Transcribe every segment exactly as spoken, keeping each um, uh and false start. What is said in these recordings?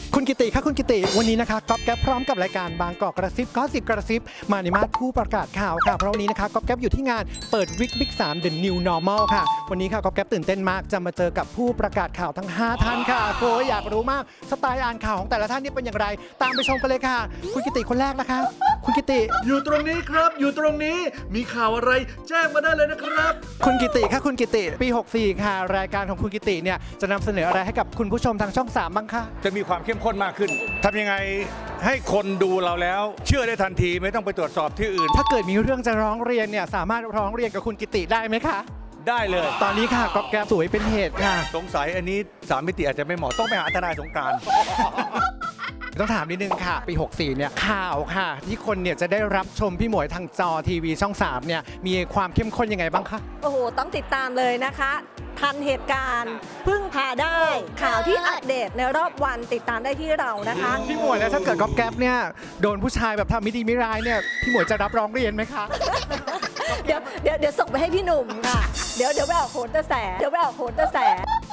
คุณกิติคะคุณกิติวันนี้นะคะก๊อฟแก๊ปพร้อมกับรายการบางกอกกระซิบก็สิบกระซิบมาในมาสผู้ประกาศข่าวค่ะเพราะวันนี้นะคะก๊อฟแก๊ปอยู่ที่งานเปิดวิกบิ๊กสาม The New Normal ค่ะวันนี้ค่ะก๊อฟแก๊ปตื่นเต้นมากจะมาเจอกับผู้ประกาศข่าวทั้งห้าท่านค่ะโอ้ยอยากรู้มากสไตล์อ่านข่าวของแต่ละท่านนี่เป็นอย่างไรตามไปชมกันเลยค่ะคุณกิติคนแรกนะคะคุณกิติอยู่ตรงนี้ครับอยู่ตรงนี้มีข่าวอะไรแจ้งมาได้เลยนะครับคุณกิติค่ะคุณกิติปีหกสี่ค่ะรายการของคุณกิติเนี่ยจะนำเสนออะไรให้กับคุณผู้ชมทางช่องสามบ้างคะจะมีความเข้มข้นมากขึ้นทำยังไงให้คนดูเราแล้วเชื่อได้ทันทีไม่ต้องไปตรวจสอบที่อื่นถ้าเกิดมีเรื่องจะร้องเรียนเนี่ยสามารถร้องเรียนกับคุณกิติได้ไหมคะได้เลยตอนนี้ค่ะก๊อฟแก๊ปสวยเป็นเหตุค่ะสงสัยอันนี้สามมิติอาจจะไม่เหมาะต้องไปหาทนายสงกรานต์ต้องถามนิดนึงค่ะ ปี หกสี่ เนี่ยข่าวค่ะ ที่คนเนี่ยจะได้รับชมพี่หมวยทางจอทีวีช่อง สาม เนี่ยมีความเข้มข้นยังไงบ้างคะโอ้โห ต้องติดตามเลยนะคะ ทันเหตุการณ์พึ่งพาได้ ข่าวที่อัปเดตในรอบวันติดตามได้ที่เรานะคะพี่หมวยแล้วถ้าเกิดก๊อฟแก๊ปเนี่ยโดนผู้ชายแบบทำไม่ดีไม่ร้ายเนี่ยพี่หมวยจะรับร้องเรียนไหมคะเดี๋ยวเดี๋ยวเดี๋ยวส่งไปให้พี่หนุ่มค่ะ เดี๋ยวเดี๋ยวไปออกโหนกระแส เดี๋ยวไปออกโหนกระแส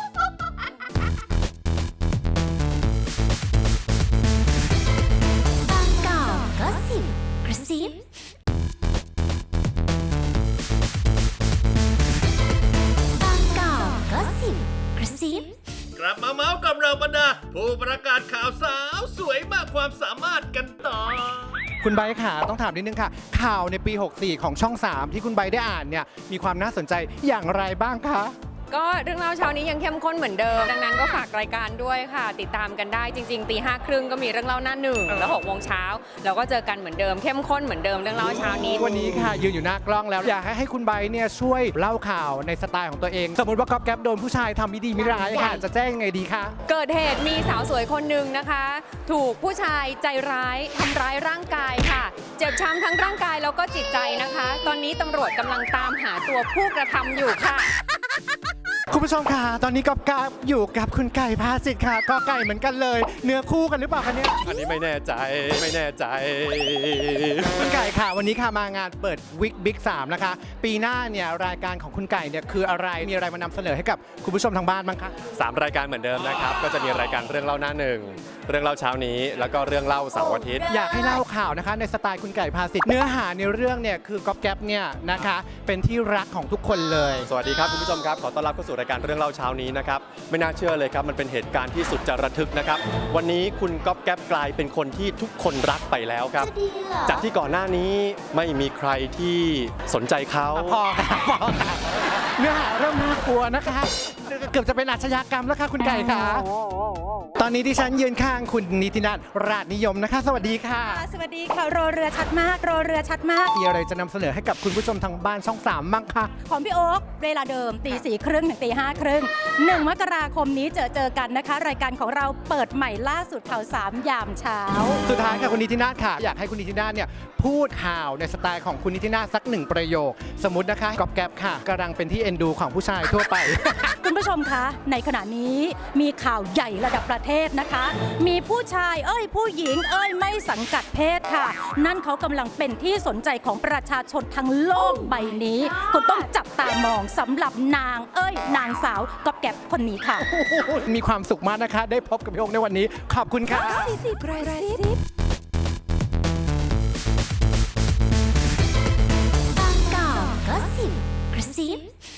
บางกอกก็สิบกระซิบางกอกก็สิบกระซิบกลับมาเมาส์กับเราบรรดาผู้ประกาศข่าวสาวสวยมากความสามารถกันต่อคุณไบร์ทค่ะต้องถามนิดนึงค่ะ ข่าวในปี หกสี่ ของช่อง สาม ที่คุณไบร์ทได้อ่านเนี่ยมีความน่าสนใจอย่างไรบ้างคะก็เรื่องเล่าเช้านี้ยังเข้มข้นเหมือนเดิม ดังนั้นก็ฝากรายการด้วยค่ะ ติดตามกันได้จริงๆตีห้าครึ่งก็มีเรื่องเล่าหน้าหนึ่งแล้วหกโมงเช้าเราก็เจอกันเหมือนเดิมเข้มข้นเหมือนเดิมเรื่องเล่าเช้านี้วันนี้ค่ะยืนอยู่หน้ากล้องแล้วอยากให้ให้คุณไบร์ทเนี่ยช่วยเล่าข่าวในสไตล์ของตัวเอง สมมติว่าก๊อฟแก๊ปโดนผู้ชายทำไม่ดีไม่ร้ายค่ะจะแจ้งยังไงดีคะเกิดเหตุมีสาวสวยคนหนึ่งนะคะ ถูกผู้ชายใจร้ายทำร้ายร่างกายค่ะ เจ็บช้ำทั้งร่างกายแล้วก็จิตใจนะคะ ตอนนี้ตำรวจกำลังตามหาตัวผู้กระทำอยู่ค่ะคุณผู้ชมค่ะตอนนี้ก๊อฟแก๊ปอยู่กับคุณไก่ภาสิทธิ์ค่ะก็ไก่เหมือนกันเลย เนื้อคู่กันหรือเปล่าคะเนี่ยอันนี้ไม่แน่ใจไม่แน่ใจคุณไก่ค่ะวันนี้ค่ะมางานเปิดวิกบิ๊กสามนะคะปีหน้าเนี่ยรายการของคุณไก่เนี่ยคืออะไรมีอะไรมานำเสนอให้กับคุณผู้ชมทางบ้านบ้างคะสามรายการเหมือนเดิมนะครับ ก็จะมีรายการเรื่องเล่าหน้าหนึ่งเรื่องเล่าเช้านี้แล้วก็เรื่องเล่าเสาร์อาทิตย์อยากให้เล่าข่าวนะคะในสไตล์คุณไก่ภาสิทธิ์เนื้อหาในเรื่องเนี่ยคือก๊อฟแก๊ปเนี่ยนะคะเป็นที่รักของทุกคนเลยสวัสดีครับคุณผู้ชมครับขอต้อนรับเข้าสู่รายการเรื่องเล่าเช้านี้นะครับไม่น่าเชื่อเลยครับมันเป็นเหตุการณ์ที่สุดจะระทึกนะครับวันนี้คุณก๊อฟแก๊ปกลายเป็นคนที่ทุกคนรักไปแล้วครับจะดีเหรอจากที่ก่อนหน้านี้ไม่มีใครที่สนใจเขาพอค่ะพอค่ะเนื้อหาเริ่มน่ากลัวนะคะ เกือบจะเป็นอาชญากรรมแล้วค่ะคุณไก่ค่ะตอนนี้ดิฉันยืนข้างคุณนิตินัทราชนิยมนะคะ สวัสดีค่ะสวัสดีค่ะรอเรือชัดมากรอเรือชัดมากมีอะไรจะนำเสนอให้กับคุณผู้ชมทางบ้านช่องสามบ้างคะของพี่โอ๊คเวลาเดิมตีสี่ครึ่งถึงตีห้าครึ่งหนึ่งมกราคมนี้เจอเจอกันนะคะ รายการของเราเปิดใหม่ล่าสุดข่าวสามยามเช้าสุดท้ายค่ะคุณนิตินาถค่ะอยากให้คุณนิตินาถเนี่ยพูดข่าวในสไตล์ของคุณนิตินาถสักหนึ่งประโยค สมมตินะคะก๊อฟแก๊ปค่ะกำลังเป็นที่เอ็นดูของผู้ชายทั่วไปคุณผู้ชมคะในขณะนี้มีข่าวใหญ่ระดับประเทศนะคะ มีผู้ชายเอ้ยผู้หญิงเอ้ยไม่สังกัดเพศค่ะ นั่นเขากำลังเป็นที่สนใจของประชาชนทั้งโลกใบนี้คุณต้องจับตามองสำหรับนางเอ้ยนางสาวก๊อฟแก๊ปคนนี้ค่ะมีความสุขมากนะคะ ได้พบกับพี่โอ๊คในวันนี้ขอบคุณค่ะสิบกระซิบางกอกก็สิบกระซิบ